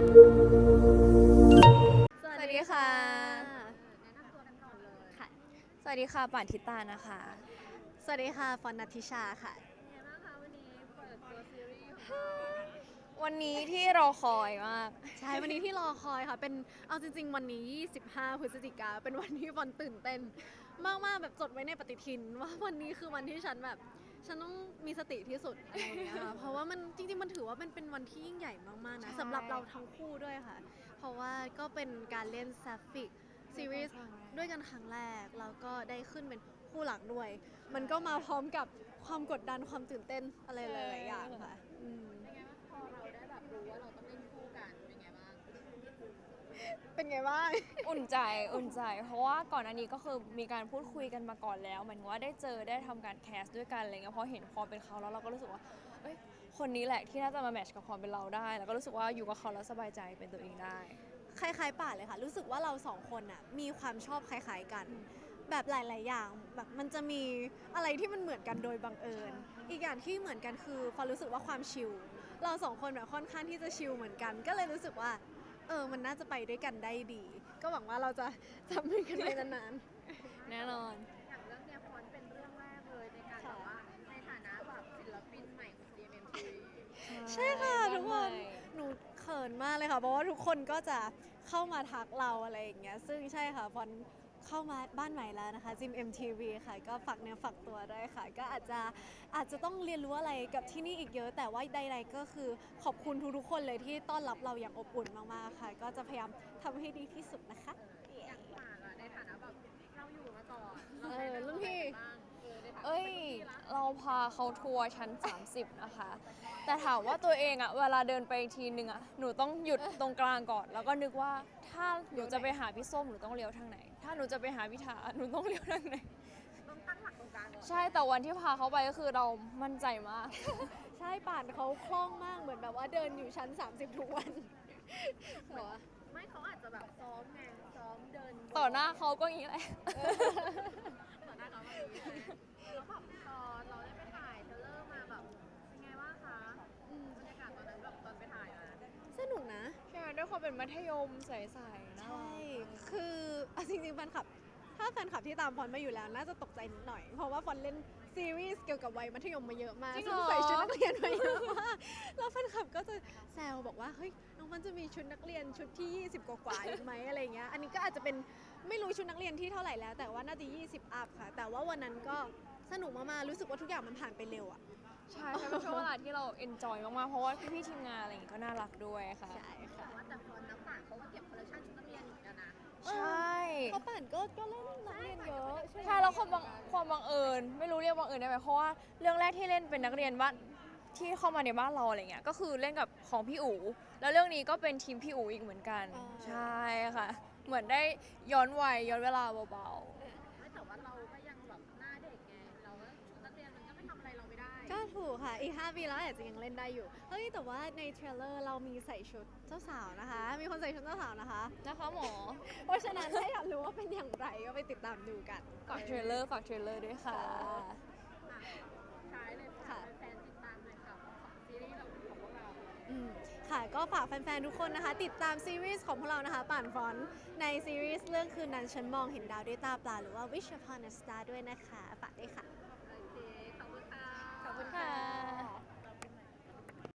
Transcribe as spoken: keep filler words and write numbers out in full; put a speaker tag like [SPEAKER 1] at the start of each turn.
[SPEAKER 1] สวัสดีค่ะ
[SPEAKER 2] แนะนำตัวกันก่อนเลย
[SPEAKER 1] ค่ะ สวัสดีค่ะป่านทิตานะคะ
[SPEAKER 3] สวัสดีค่ะฟอนนัทธิชาค่ะ
[SPEAKER 2] เป็นไงบ้างคะวันนี้เปิดตัวซีรีส์ของเรา
[SPEAKER 1] วันนี้ที่รอคอยมาก
[SPEAKER 3] ใช่วันนี้ที่รอคอยค่ะเป็นเอาจริงๆ วันนี้ยี่สิบห้าพฤศจิกาเป็นวันที่ฟอนตื่นเต้นมากๆแบบจดไว้ในปฏิทินว่าวันนี้คือวันที่ฉันแบบฉันต้องมีสติที่สุดอะไรอย่างเงี้ยค่ะเพราะว่ามันจริงๆมันถือว่าเป็นเป็นวันที่ยิ่งใหญ่มากๆนะ
[SPEAKER 1] ใช่
[SPEAKER 3] สำหรับเราทั้งคู่ด้วยค่ะ เพราะว่าก็เป็นการเล่นแซฟฟิกซีรีส์ด้วยกันครั้งแรกแล้วก็ได้ขึ้นเป็นคู่หลักด้วย มันก็มาพร้อมกับความกดดันความตื่นเต้นอะไรหลายๆอย่างค่ะอืม
[SPEAKER 2] เป็นไงบ้างพอเราได้แบบรู้ว่าเราต้องเล่นคู่กันเป็นไงบ้าง
[SPEAKER 3] เป็นไงบ้าง
[SPEAKER 1] อุ่นใจอุ่นใจ เพราะว่าก่อนอันนี้ก็คือมีการพูดคุยกันมาก่อนแล้วหมายถึงว่าได้เจอได้ทำการแคสด้วยกันอะไรเงี้ยพอเห็นความเป็นเขาแล้วเราก็รู้สึกว่าเอ้ยคนนี้แหละที่น่าจะมาแมทช์กับความเป็นเราได้ แล้วก็รู้สึกว่าอยู่กับเขาแล้วสบายใจเป็นตัวเองได้
[SPEAKER 3] คล้ายๆป่านเลยค่ะ รู้สึกว่าเราสองคนน่ะมีความชอบคล้ายๆกัน แบบหลายๆอย่างแบบมันจะมีอะไรที่มันเหมือนกันโดยบังเอิญ อีกอย่างที่เหมือนกันคือความรู้สึกว่าความชิลเราสองคนแบบค่อนข้างที่จะชิลเหมือนกัน ก็เลยรู้สึกว่าเออมันน่าจะไปด้วยกันได้ดี ก็หวังว่าเราจะทำให้กันไปนาน
[SPEAKER 1] แน่นอน
[SPEAKER 2] อย่างเรื่องเนี้ยฟอนต์เป็นเรื่องแรกเลยในการแบบว่าในฐานะแบบศิลปินใหม่ของ จี เอ็ม ที
[SPEAKER 3] ๆใช่ค่ะทุกคนหนูเขินมากเลยค่ะ เพราะว่าทุกคนก็จะเข้ามาทักเราอะไรอย่างเงี้ยซึ่งใช่ค่ะฟอนเข้ามาบ้านใหม่แล้วนะคะจิม เอ็ม ที วี ค่ะก็ฝากเนื้อฝากตัวด้วยค่ะ ก็อาจจะอาจจะต้องเรียนรู้อะไรกับที่นี่อีกเยอะ แต่ว่าใดๆก็คือขอบคุณทุกๆคนเลยที่ต้อนรับเราอย่างอบอุ่นมากๆค่ะ ก็จะพยายามทำให้ดีที่สุดนะคะ
[SPEAKER 2] อย่างหมากอะในฐานะแบบเราอยู่มาก่อน
[SPEAKER 3] เออรุ่นพี่
[SPEAKER 2] บ้างเออในฐานะ
[SPEAKER 1] เอ้ย
[SPEAKER 2] เป็นรุ่นพี่ละ
[SPEAKER 1] เราพาเขาทัวร์ชั้น สามสิบ นะคะ แต่ถามว่าตัวเองอะเวลาเดินไปทีนึงอะหนูต้องหยุดตรงกลางก่อน แล้วก็นึกว่าถ้าหนูจะไปหาพี่ส้มหนูต้องเลี้ยวทางไหน ถ้าหนูจะไปหาพี่ถาหนูต้องเลี้ยวทางไหน
[SPEAKER 2] ต้องตั้งหลักตรงกลางก่อน
[SPEAKER 1] ใช่ แต่วันที่พาเขาไปก็คือเรามั่นใจมาก
[SPEAKER 3] ใช่ป่านเขาคล่องมากเหมือนแบบว่าเดินอยู่ชั้น สามสิบ ทุกวันเหรอ
[SPEAKER 2] ไม่เขาอาจจะแบบซ้อมไงซ้อมเดิน
[SPEAKER 1] ต่อหน้าเขาก็อย่างนี้แหละ
[SPEAKER 2] ต่อหน้าเขาแบบนี้เลยแล้วแบบตอนเราได้ไปถ่ายเทรลเลอร์มาแบบเป็นไงบ้างคะอืมบรรยากาศตอนนั้นแบบตอนไปถ่ายมา
[SPEAKER 3] สนุกนะ
[SPEAKER 1] ใช่ไหมด้วยความเป็นมัธยมใสๆนะ
[SPEAKER 3] ใช่ คือเอาจริงๆแฟนคลับ ถ้าแฟนคลับที่ตามฟอนต์มาอยู่แล้ว น่าจะตกใจนิดหน่อย เพราะว่าฟอนต์เล่นซีรีส์เกี่ยวกับวัยมัธยมมาเยอะมาก
[SPEAKER 1] จริง
[SPEAKER 3] ซึ่
[SPEAKER 1] เหรอ
[SPEAKER 3] ใส่ชุดนักเรียนมาเยอะมาก แล้วแฟนคลับก็จะแซวบอกว่า เฮ้ย น้องฟอนต์จะมีชุดนักเรียนชุดที่ ยี่สิบ กว่าๆอีกไหมอะไรเงี้ย อันนี้ก็อาจจะเป็นไม่รู้ชุดนักเรียนที่เท่าไหร่แล้ว แต่ว่าน่าจะ ยี่สิบ อัพค่ะ แต่ว่าวันนั้นก็สนุกมากๆ รู้สึกว่าทุกอย่างมันผ่านไปเร็วอะ
[SPEAKER 1] ใช่ใช่เป็นช่วงเวลาที่เราเอนจอยมากๆ เพราะว่าพี่ๆทีมงานอะไรอย่างงี้ก็น่ารักด้วยค่ะ
[SPEAKER 3] ใช่ค่ะ
[SPEAKER 2] ว่าแต่ฟอนต์น้ำป่านเขาก็เก็บคอลเลคชันชุดนักเรียนอยู่เหมือนกันนะ
[SPEAKER 1] ใช่
[SPEAKER 3] เขาป่านก็ก็เล่นนักเรียนเยอะใช่ไหม
[SPEAKER 1] ใช่แล้วความบังความบังเอิญไม่รู้เรียกบังเอิญได้ไหมเพราะว่าเรื่องแรกที่เล่นเป็นนักเรียนบ้านที่เข้ามาในบ้านเราอะไรเงี้ยก็คือเล่นกับของพี่อู๋แล้วเรื่องนี้ก็เป็นทีมพี่อู๋อีกเหมือนกัน ใช่ค่ะ เหมือนได้ย้อนวัยย้อนเวลาเบา
[SPEAKER 2] ไม่แต่ว่าเราก็ยังแบบหน้าเด็กไง เราก็ชุดนักเรียนมันก็ไม่ทำอะไรเราไม่ได้
[SPEAKER 3] ก็ถูกค่ะ อีก ห้า ปีแล้วอาจจะยังเล่นได้อยู่ เฮ้ย แต่ว่าในเทรลเลอร์เรามีใส่ชุดเจ้าสาวนะคะ มีคนใส่ชุดเจ้าสาวนะคะ
[SPEAKER 1] ๆนะคะหมอ
[SPEAKER 3] เพราะฉะนั้นถ้าอยากรู้ว่าเป็นอย่างไรก็ไปติดตามดูกัน
[SPEAKER 1] ฝากเทรลเลอร์ฝากเทรลเลอร์ด้วยค่ะ
[SPEAKER 2] อ่ะใช้เลยค่ะแฟนๆติดตามเลยค่ะของซีรีส์เราของพวกเรา
[SPEAKER 3] อืมค่ะ ก็ฝากแฟนๆ ทุกคนนะคะ ติดตามซีรีส์ของพวกเรานะคะ ป่านฟอนต์ในซีรีส์เรื่องคืนนั้นฉันมองเห็นดาวด้วยตาเปล่าหรือว่า Wish Upon a Star ด้วยนะคะ ฝากด้วยค่ะ
[SPEAKER 2] โอเค ขอบคุณค่ะ
[SPEAKER 3] ขอบคุณค่ะ